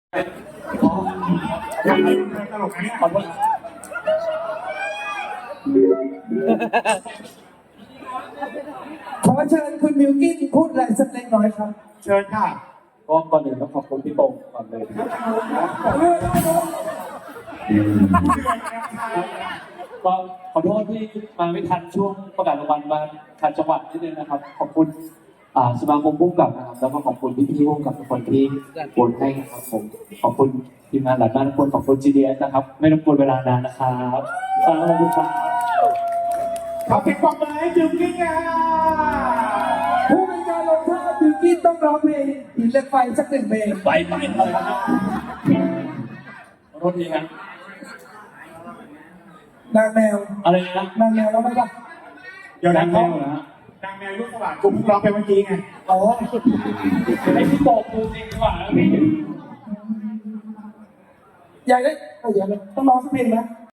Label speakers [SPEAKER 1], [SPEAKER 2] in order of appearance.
[SPEAKER 1] ตลกนะเนี่ย
[SPEAKER 2] ขอโทษ
[SPEAKER 3] ขอเชิญคุณมิวกี้พูดอะไรสักเล็กน้อยครับ
[SPEAKER 1] เชิญค่ะ
[SPEAKER 2] ก็ก่อนอื่นต้องขอบคุณพี่โป่งก่อนเลยก็ขอโทษที่มาไม่ทันช่วงประกาศรางวัลมาทันจังหวัดนิดนึงนะครับขอบคุณสมาคมผู้กำกับนะครับแล้วก็ขอบคุณพี่ๆผู้กำกับทุกคนที่โหวตให้นะครับผมขอบคุณทีมงานหลายบ้านทุกคนขอบคุณ GDS นะครับไม่รบกวนเวลานานนะครับขอบคุณครับ
[SPEAKER 1] ขอเสียงปรบมือให้จิวกิ้งค่ะ
[SPEAKER 3] ผู้เป็นการลงโทษมิวกี้ต้องร้องเพลงหินเหล็กไฟสักหนึ่งเพลง
[SPEAKER 2] ไปเลยนะครับขอโทษทีครับ
[SPEAKER 3] นางแมว
[SPEAKER 2] อะไรนะ
[SPEAKER 3] นางแมวแล้วไหมครับ
[SPEAKER 1] เดี๋ยว
[SPEAKER 2] ดั
[SPEAKER 1] นะ
[SPEAKER 2] ง
[SPEAKER 1] เขา
[SPEAKER 2] แมวเหรอฮะ
[SPEAKER 1] ดังแมวลูกสว่างกูเพิ่งร้องไปเมื่อกี้ไง
[SPEAKER 3] อ๋อ
[SPEAKER 2] ให้พี่โป่งดูจริงดีกว่า
[SPEAKER 3] อยากได้ต้องร้องสักเพลงนะ